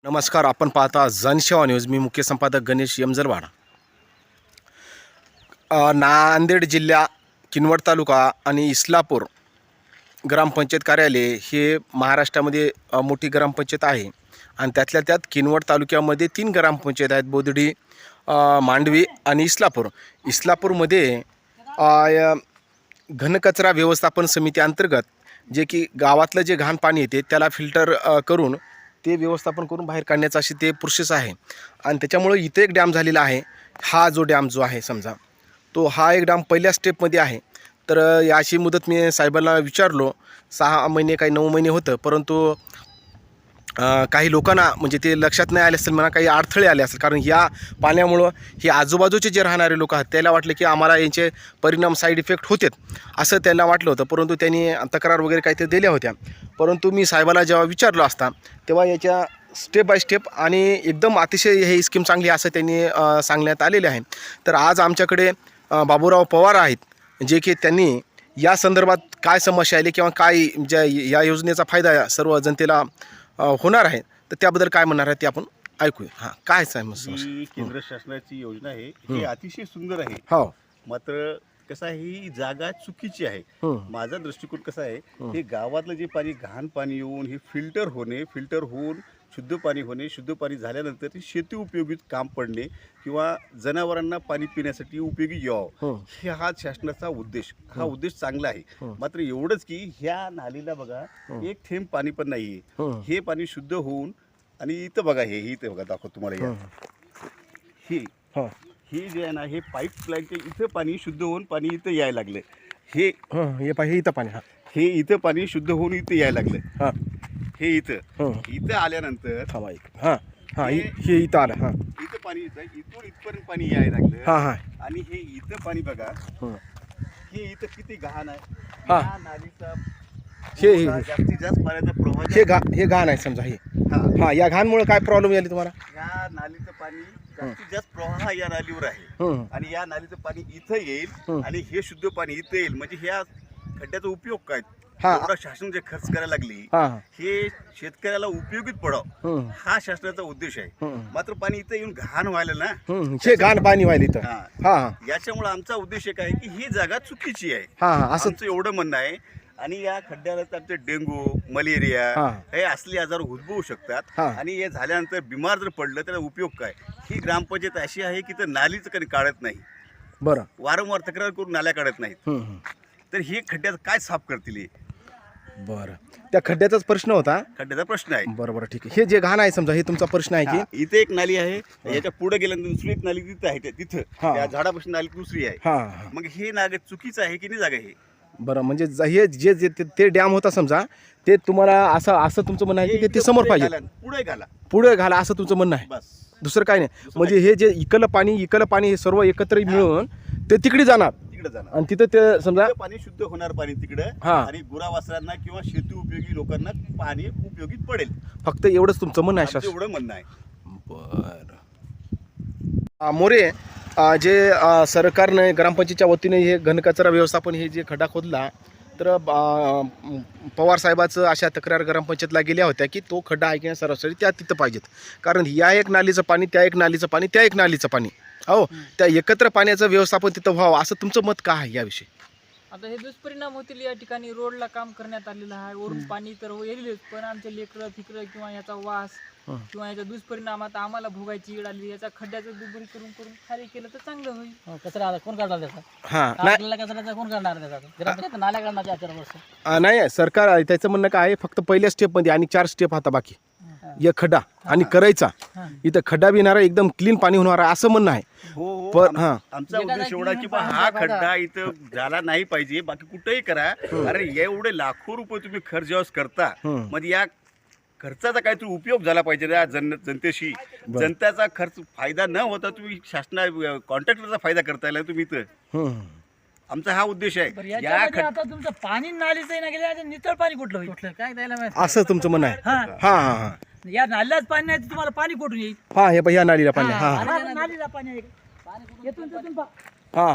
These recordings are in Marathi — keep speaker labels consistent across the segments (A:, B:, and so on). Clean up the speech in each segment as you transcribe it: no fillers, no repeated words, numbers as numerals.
A: नमस्कार, आपण पाहता जनसेवा न्यूज. मी मुख्य संपादक गणेश यमजरवाडा. नांदेड जिल्हा किनवट तालुका आणि इस्लापूर ग्रामपंचायत कार्यालय हे महाराष्ट्रामध्ये मोठी ग्रामपंचायत आहे आणि त्यातल्या त्यात किनवट तालुक्यामध्ये 3 ग्रामपंचायत आहेत: बोदडी, मांडवी आणि इस्लापूर. इस्लापूरमध्ये घनकचरा व्यवस्थापन समिती अंतर्गत जे की गावातलं जे घाण पाणी येते त्याला फिल्टर करून ते व्यवस्थापन करून बाहेर काढण्याचा अशी ते प्रोसेस आहे. आणि त्याच्यामुळे इथे एक डॅम झालेला आहे. हा जो डॅम जो आहे समजा तो हा एक डॅम पहिल्या स्टेपमध्ये आहे. तर याची मुदत मी साहेबांना विचारलो, 6 महिने काही 9 महिने होतं, परंतु काही लोकांना म्हणजे ते लक्षात नाही आले असेल, म्हणा काही अडथळे आले असेल, कारण या पाण्यामुळं हे आजूबाजूचे जे राहणारे लोक आहेत त्याला वाटलं की आम्हाला यांचे परिणाम साईड इफेक्ट होतात असं त्यांना वाटलं होतं. परंतु त्यांनी तक्रार वगैरे काहीतरी दिल्या होत्या. परंतु मी साहेबाला जेव्हा विचारलो असता तेव्हा याच्या स्टेप बाय स्टेप आणि एकदम अतिशय हे स्कीम चांगली असं त्यांनी सांगण्यात आलेले आहे. तर आज आमच्याकडे बाबूराव पवार आहेत, जे की त्यांनी या संदर्भात काय समस्या आली किंवा काय ज्या या योजनेचा फायदा सर्व जनतेला होणार आहे तर त्याबद्दल काय म्हणणार आहे ते आपण ऐकूया. हां, काय समस्या?
B: ही केंद्र शासनाची योजना आहे, ही अतिशय सुंदर आहे.
A: हो.
B: मात्र कसं आहे, ही जागा चुकीची आहे. माझा दृष्टिकोन कसा आहे, हे गावातलं जे पाणी घाण पाणी येऊन हे फिल्टर होऊन शुद्ध पाणी होणे, शुद्ध पाणी झाल्यानंतर ते शेती उपयोगी काम पडणे किंवा जनावरांना पाणी पिण्यासाठी उपयोगी यावं, हे हा शासनाचा उद्देश. हा उद्देश चांगला आहे. मात्र एवढंच की ह्या नालीला बघा एक थेंब पाणी पण नाहीये. हे पाणी शुद्ध होऊन आणि इथं बघा, हे इथं बघा, दाखव तुम्हाला. हे जे आहे ना, हे पाईपलाईनचे इथं पाणी शुद्ध होऊन पाणी इथं यायला लागलं. हे
A: इथं पाणी.
B: हे इथं पाणी शुद्ध होऊन इथं यायला लागलं. हे इथं आल्यानंतर
A: हे इथं आलं.
B: इथं पाणी इथून इथपर्यंत पाणी यायला लागलं. आणि हे इथं पाणी बघा, हे इथं किती घाण आहे. या नालीचा जास्तीत जास्त पाण्याचा प्रवाह
A: हे घाण आहे समजा. हे या घाणमुळे काय प्रॉब्लेम आली तुम्हाला?
B: या नालीचं पाणी जास्तीत जास्त प्रवाह या नालीवर आहे आणि या नालीचं पाणी इथं येईल आणि हे शुद्ध पाणी इथं येईल. म्हणजे ह्या खड्ड्याचा उपयोग काय? एवढा शासन जे खर्च करायला लागली, हे शेतकऱ्याला उपयोगीत पडावं, हा शासनाचा उद्देश आहे. मात्र पाणी इथं येऊन घाण व्हायला ना,
A: हे घाण पाणी व्हायला इथं.
B: याच्यामुळे आमचा उद्देश एक आहे की ही जागा चुकीची आहे,
A: असं
B: असं एवढं म्हणणं आहे. आणि या खड्ड्याला आमचे डेंगू, मलेरिया हे असले आजार उद्भवू शकतात. आणि हे झाल्यानंतर बिमार जर पडलं त्याला उपयोग काय? ही ग्रामपंचायत अशी आहे की तर नालीचं कधी काढत नाही.
A: बरं.
B: वारंवार तक्रार करून नाल्या काढत नाहीत. तर हे खड्ड्यात काय साफ करतील?
A: बरं, त्या खड्ड्याचाच प्रश्न होता.
B: खड्ड्याचा प्रश्न आहे.
A: बरोबर, ठीक आहे. हे जे घाण आहे समजा, हे तुमचा प्रश्न आहे की
B: इथे एक नाली आहे, याच्या पुढे गेल्यानंतर दुसरी एक नाली तिथं आहे, तिथं त्या झाडापासून नाली दुसरी आहे. मग हे नाग चुकीचं आहे की नाही जागा? हे
A: बरं, म्हणजे हे जे ते डॅम होता समजा, ते तुम्हाला असं तुमचं म्हणणं आहे की ते समोर पाहिजे, पुढे घाला असं तुमचं म्हणणं आहे.
B: बस,
A: दुसरं काय नाही. म्हणजे हे जे इकडलं पाणी हे सर्व एकत्र मिळून ते तिकडे जाणार आणि तिथं ते समजा
B: पाणी शुद्ध होणार पाणी तिकडं आणि गुरावासरांना किंवा शेती उपयोगी लोकांना पाणी उपयोगी पडेल.
A: फक्त एवढंच तुमचं म्हणणं आहे?
B: एवढं म्हणणं आहे.
A: बरं. मोरे, जे सरकारने ग्रामपंचायतच्या वतीने हे घनकचरा व्यवस्थापन हे जे खड्डा खोदला, तर पवार साहेबाचं अशा तक्रार ग्रामपंचायतला गेल्या होत्या की तो खड्डा आहे की सरासरी त्या तिथं पाहिजेत, कारण या एक नालीचं पाणी, त्या एक नालीचं पाणी, त्या एक नालीचं पाणी, हो, त्या एकत्र पाण्याचं व्यवस्थापन तिथं व्हावं, असं तुमचं मत काय आहे याविषयी?
C: आता हे दुष्परिणाम होतील. या ठिकाणी रोडला काम करण्यात आलेलं आहे. वरून पाणी तर येईलच, पण आमचे लेकरं फिकरं किंवा याचा वास किंवा याचा दुष्परिणाम आता आम्हाला भोगायची वेळ आली. याचा खड्ड्याचं दुबरी करून खाली केलं तर चांगलं होईल.
D: कचरा कोण काढणार त्याचा? कचऱ्याचा कोण काढणार त्याचा? नाल्या काढणार 4 वर्ष
A: नाही. सरकार त्याचं म्हणणं काय आहे, फक्त पहिल्या स्टेपमध्ये आणि 4 स्टेप आता बाकी, एक खड्डा आणि करायचा, इथं खड्डा बिनारा एकदम क्लीन पाणी होणार असं म्हणणं आहे.
B: पण आमचा उद्देश एवढा की हा खड्डा इथं झाला नाही पाहिजे. बाकी कुठेही करा, अरे एवढे लाखो रुपये तुम्ही खर्च जेव्हा करता, म्हणजे या खर्चाचा काहीतरी उपयोग झाला पाहिजे या जनतेशी. जनतेचा खर्च फायदा न होता तुम्ही शासना कॉन्ट्रॅक्टरचा फायदा करता येईल तुम्ही इथं. आमचा हा उद्देश आहे.
D: आता तुमचं पाणी नालीचं ना गेलं, नितळ पाणी कुठलं होईल काय द्यायला माहिती,
A: असं तुमचं म्हणणं आहे?
D: या नाल्याच पाणी नाही, तुम्हाला पाणी कुठून येईल?
A: हे या नालीला पाणी.
D: नालीला पाणी आहे, येथून
A: हा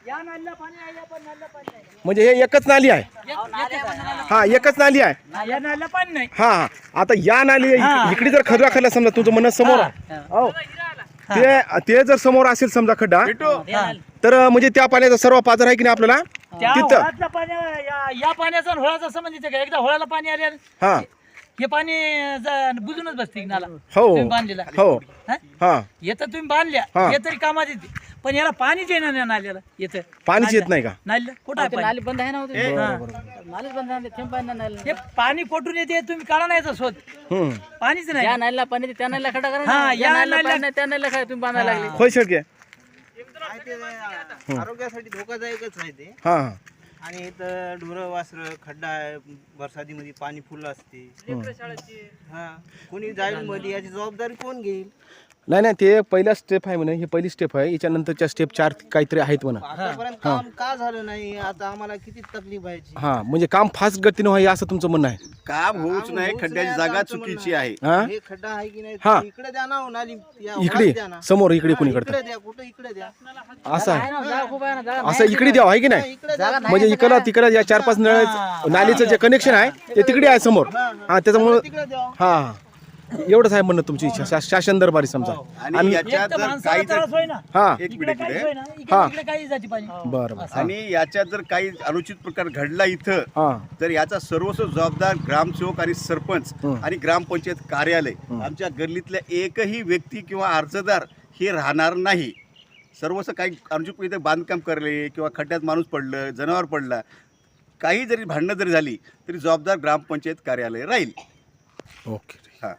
A: म्हणजे हे एकच नाली आहे. हा एकच नाली आहे. हा हा आता या नाली इकडे जर खड्डा खाल्ला समजा तुमचं म्हणणं समोर आहे. हो. ते जर समोर असेल समजा खड्डा तर म्हणजे त्या पाण्याचा सर्व पाझर आहे की नाही आपल्याला तिथं.
D: या पाण्याचा आणि होळाचा संबंध इथे काय? एकदा होळाला पाणी आले
A: हा
D: हे पाणी बुजूनच बसते नाला.
A: हो
D: तुम्ही बांधलेला
A: हो हा
D: येतं तुम्ही बांधल्या
A: हा.
D: हे तरी कामात येते, पण याला पाणीच येणार नाही नाल्याला. येतं
A: पाणीच येत नाही का?
D: नाल्या कुठं आहे नाली बंद आहे ना नालीच बंद आहे, थेंब पाणी नाही. हे पाणी कोठून येते तुम्ही काढा नाही याचा शोध. पाणीच नाही. या नाल्याला पाणी त्या नाल्याला खड्डा करा. हा या नाल्याला त्या नाल्याला काय तुम्ही बांधायला लागले.
A: होय शेळके.
E: आरोग्यासाठी धोकादायकच आहे ते.
A: हा हा
E: आणि इथं ढोरं वासरं खड्डा आहे, बरसातीमध्ये पाणी फुल असते. हा कोणी जाईल मध्ये, याची जबाबदारी कोण घेईल?
A: नाही नाही ते पहिला स्टेप आहे म्हणे. ही पहिली स्टेप आहे. याच्यानंतरच्या स्टेप 4 काहीतरी आहेत म्हणा.
E: आतापर्यंत काम का झालं नाही? आता आम्हाला किती तकलीफ व्हायची.
A: हा म्हणजे काम फास्ट गतीनं व्हावे असं तुमचं म्हणणं आहे.
B: काम होऊच नाही, खड्ड्याची जागा चुकीची आहे.
A: हा
E: हे खड्डा आहे की नाही?
A: हा.
E: इकडे द्या ना हो, नाली या
A: इकडे
E: वरात द्या ना.
A: समोर इकडे
E: हा,
A: कुणीकडे
E: इकडे द्या, कुठं इकडे द्या.
A: असं आहे.
D: आहे ना, जागा खूप आहे ना, जागा
A: असं इकडे द्यावं आहे की नाही?
E: इकडे द्या.
A: म्हणजे इकडला तिकडला या 4-5 नळ नालीचं जे कनेक्शन आहे ते तिकडे आहे समोर. हा त्याच्यामुळं
E: तिकडे द्या.
A: हा हा एवढंच आहे म्हणणं तुमची इच्छा. शासन दरबारी समजा.
B: आणि याच्यात
D: एक तर
B: जर
D: माणसाला
B: काही
D: त्रास होय ना.
A: हा
B: एक
D: इकडे
B: मिनिट
D: काहीच
B: इकडे
D: होय ना,
A: हा.
D: इकडे काही जाती पाणी.
A: बरं बरं.
B: आणि याच्यात जर काही अनुचित प्रकार घडला इथं
A: हा
B: तर याचा सर्वस्व जबाबदार ग्रामसेवक आणि सरपंच आणि ग्रामपंचायत कार्यालय. आमच्या गल्लीतल्या एकही व्यक्ती किंवा अर्जदार हे राहणार नाही. सर्वस्व काही अनुचित इथे बांधकाम करले किंवा खड्ड्यात माणूस पडलं, जनावर पडला, काही जरी भांडणं जरी झाली तरी जबाबदार ग्रामपंचायत कार्यालय राहील.
A: ओके.
B: हा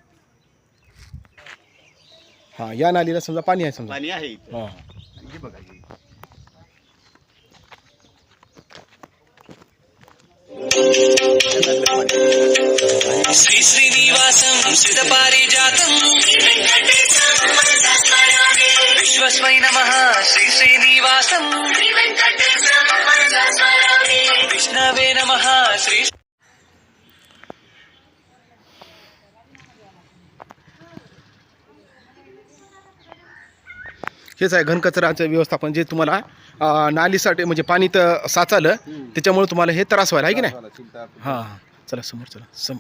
A: हा या नालीला समजा पाणी आहे समजा.
B: पाणी आहे इथं.
A: हा
B: हे बघा हे.
F: श्री श्रीनिवासं श्रितपारिजातं विश्वस्मै नमः. श्री श्रीनिवासं विष्णवे नमः. श्री
A: हेच आहे घनकचराचं व्यवस्थापन जे तुम्हाला नालीसाठी म्हणजे पाणी तर साचालं त्याच्यामुळे तुम्हाला हे त्रास व्हायला आहे की नाही. हां हां चला समोर चला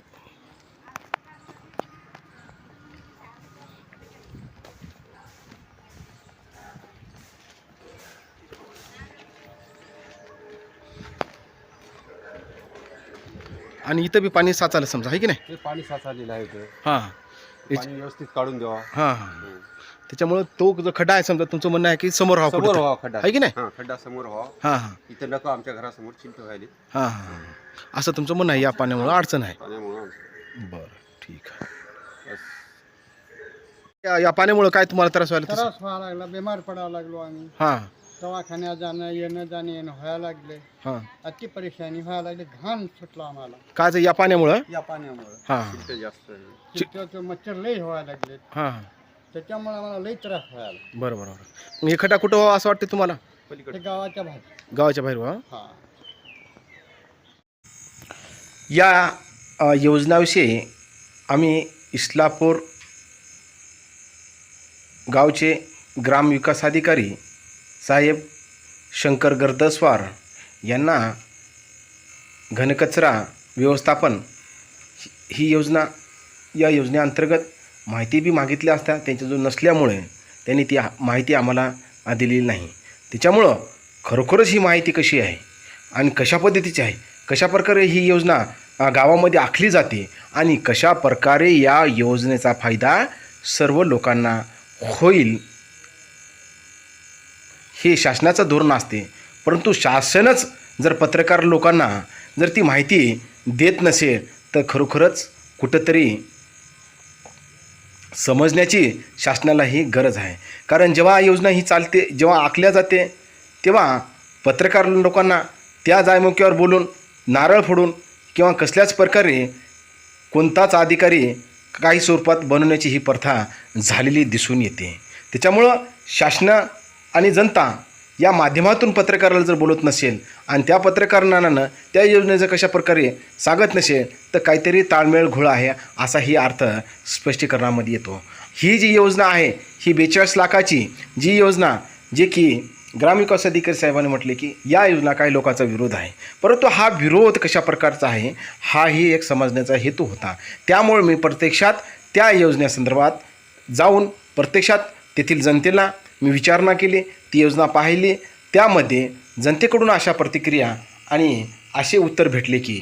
A: आणि इथं बी पाणी साचालं समजा आहे की नाही.
G: ते पाणी साचलेलं आहे इथं.
A: हां
G: पाणी व्यवस्थित काढून द्यावा.
A: हां हां त्याच्यामुळं तो जो खड्डा आहे समजा तुमचं म्हणणं आहे की समोर व्हावं
G: समोर
A: कुठं
G: व्हावा खड्डा.
A: आहे की नाही.
G: हा खड्डा समोर व्हावा.
A: हां हां
G: इथं नको आमच्या घरासमोर चिंत व्हायली
A: हां हां असं तुमचं म्हणणं आहे. या पाण्यामुळं अडचण आहे.
G: पाण्यामुळं.
A: बरं ठीक आहे. या पाण्यामुळं काय तुम्हाला त्रास व्हायला तसं?
H: त्रास व्हायला लागला, बिमार पडायला लागलो आम्ही.
A: हां
H: दवाखान्यात जाणं येणं व्हायला लागले.
A: हां
H: अति परेशानी व्हायला लागली. घाण सुटला आम्हाला
A: काय ते या पाण्यामुळं.
H: या पाण्यामुळे.
A: हां
G: चिंत जास्त आहे.
H: चिंतेचे मच्छर लई व्हायला लागले.
A: हां
H: त्याच्यामुळे आम्हाला लई त्रास व्हायला.
A: बरं बरं बरं. मग हे खड्डा कुठं व्हावं असं वाटतं तुम्हाला?
H: ते गावाच्या बाहेर.
A: गावाच्या बाहेर व्हावं.
H: हा
A: या योजनाविषयी आम्ही इस्लापूर गावचे ग्रामविकास अधिकारी साहेब शंकर गर्दस्वार यांना घनकचरा व्यवस्थापन ही योजना या योजनेअंतर्गत माहिती बी मागितली असता त्यांच्याजवळ नसल्यामुळे त्यांनी ती माहिती आम्हाला दिलेली नाही. त्याच्यामुळं खरोखरच ही माहिती कशी आहे आणि कशा पद्धतीची आहे, कशा प्रकारे ही योजना गावामध्ये आखली जाते आणि कशा प्रकारे या योजनेचा फायदा सर्व लोकांना होईल हे शासनाचं धोरण असते. परंतु शासनच जर पत्रकार लोकांना जर ती माहिती देत नसेल तर खरोखरच कुठंतरी समजण्याची शासनाला ही गरज आहे. कारण जेव्हा योजना ही चालते, जेव्हा आखल्या जाते तेव्हा पत्रकार लोकांना त्या जायमुख्यावर बोलून नारळ फोडून किंवा कसल्याच प्रकारे कोणताच अधिकारी काही स्वरूपात बनवण्याची ही प्रथा झालेली दिसून येते. त्याच्यामुळं शासन आणि जनता या माध्यमातून पत्रकाराला जर बोलत नसेल आणि त्या पत्रकारांना त्या योजनेचं कशा प्रकारे सांगत नसेल तर काहीतरी ताळमेळ घोळ आहे असा ही अर्थ स्पष्टीकरणामध्ये येतो. ही जी योजना आहे ही 42 लाखाची जी योजना जे की ग्रामविकास अधिकारी साहेबांनी म्हटले की या योजना काही लोकांचा विरोध आहे, परंतु हा विरोध कशा प्रकारचा आहे हाही एक समजण्याचा हेतू होता. त्यामुळे मी प्रत्यक्षात त्या योजनेसंदर्भात जाऊन प्रत्यक्षात तेथील जनतेला मी विचारणा केली, ती योजना पाहिली. त्यामध्ये जनतेकडून अशा प्रतिक्रिया आणि असे उत्तर भेटले की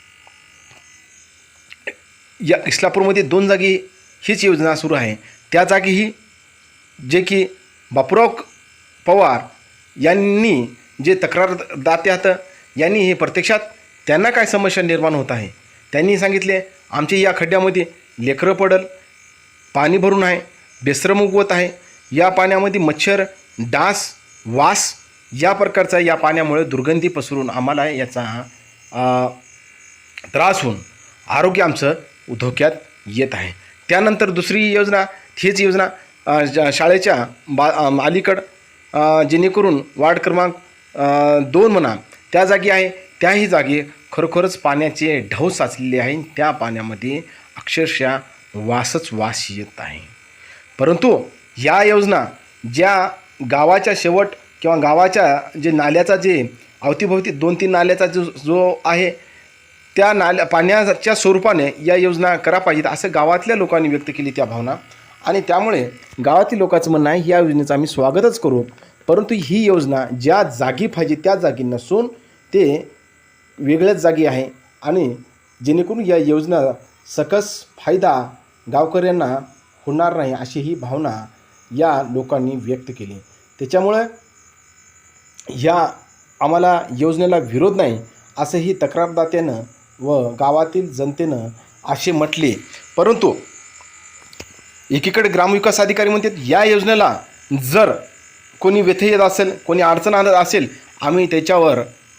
A: या इस्लापूरमध्ये 2 जागी हीच योजना सुरू आहे, त्या जागीही जे की बापूराव पवार यांनी जे तक्रारदाते आहेत यांनी हे प्रत्यक्षात त्यांना काय समस्या निर्माण होत आहे त्यांनी सांगितले, आमच्या या खड्ड्यामध्ये लेकरं पडल, पाणी भरून आहे, बेसरम उगवत आहे, या पाण्यामध्ये मच्छर, डास, वास या प्रकारचा या पाण्यामुळे दुर्गंधी पसरून आम्हाला याचा त्रास होऊन आरोग्य आमचं धोक्यात येत आहे. त्यानंतर दुसरी योजना हीच योजना शाळेच्या अलीकड जेणेकरून वार्ड क्रमांक 2 म्हणा त्या जागी आहे, त्याही जागी खरोखरच पाण्याचे ढव साचलेले आहे. त्या पाण्यामध्ये अक्षरशः वासच वास येत आहे. परंतु या योजना ज्या गावाच्या शेवट किंवा गावाच्या जे नाल्याचा जे अवतीभोवती 2-3 नाल्याचा जो आहे त्या पाण्याच्या स्वरूपाने या योजना करा पाहिजेत असं गावातल्या लोकांनी व्यक्त केली त्या भावना. आणि त्यामुळे गावातील लोकांचं म्हणणं आहे या योजनेचं आम्ही स्वागतच करू, परंतु ही योजना ज्या जागी पाहिजे त्या जागी नसून ते वेगळ्याच जागी आहे आणि जेणेकरून या योजना सकस फायदा गावकऱ्यांना होणार नाही अशी ही भावना या लोकांनी व्यक्त केली. त्याच्यामुळे या आम्हाला योजनेला विरोध नाही असंही तक्रारदात्यानं व गावातील जनतेनं असे म्हटले. परंतु एकीकडे ग्रामविकास अधिकारी म्हणतात या योजनेला जर कोणी व्यत्यय येत असेल, कोणी अडचण आणत असेल, आम्ही त्याच्यावर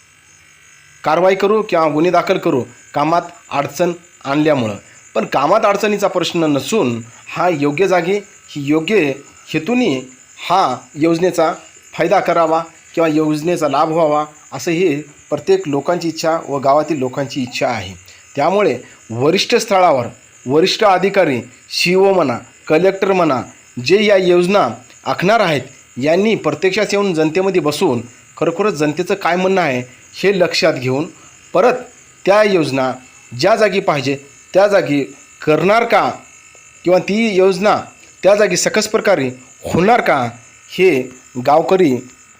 A: कारवाई करू किंवा गुन्हे दाखल करू कामात अडचण आणल्यामुळं. पण कामात अडचणीचा प्रश्न नसून हा योग्य जागी ही योग्य हेतूने हा योजनेचा फायदा करावा किंवा योजनेचा लाभ व्हावा असं ही प्रत्येक लोकांची इच्छा व गावातील लोकांची इच्छा आहे. त्यामुळे वरिष्ठ स्थळावर वरिष्ठ अधिकारी CEO म्हणा, कलेक्टर म्हणा, जे या योजना आखणार आहेत यांनी प्रत्यक्षात येऊन जनतेमध्ये बसून खरोखरच जनतेचं काय म्हणणं आहे हे लक्षात घेऊन परत त्या योजना ज्या जागी पाहिजे त्या जागी करणार का किंवा ती योजना त्या जागी सकस प्रकारे होणार का हे गावकरी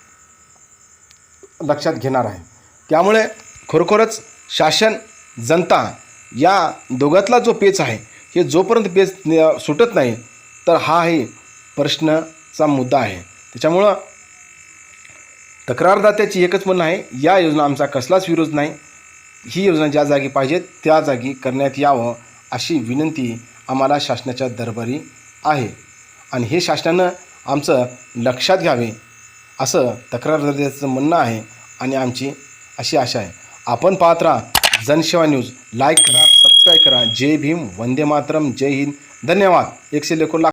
A: लक्षात घेणार आहे. त्यामुळे खरोखरच शासन जनता या दोघातला जो पेच आहे हे जोपर्यंत पेच सुटत नाही तर हा हे प्रश्नाचा मुद्दा आहे. त्याच्यामुळं तक्रारदात्याची एकच म्हणणं आहे या योजना आमचा कसलाच विरोध नाही, ही योजना ज्या जागी पाहिजे त्या जागी करण्यात यावं अशी विनंती आम्हाला शासनाच्या दरबारी आहे आणि हे शासनानं आमचं लक्षात घ्यावे असं तक्रारदात्याचं म्हणणं आहे आणि आमची अशी आशा आहे. आपण पाहत राहा जनसेवा न्यूज, लाईक करा, सबस्क्राईब करा. जय भीम, वंदे मातरम, जय हिंद, धन्यवाद. 100 लाख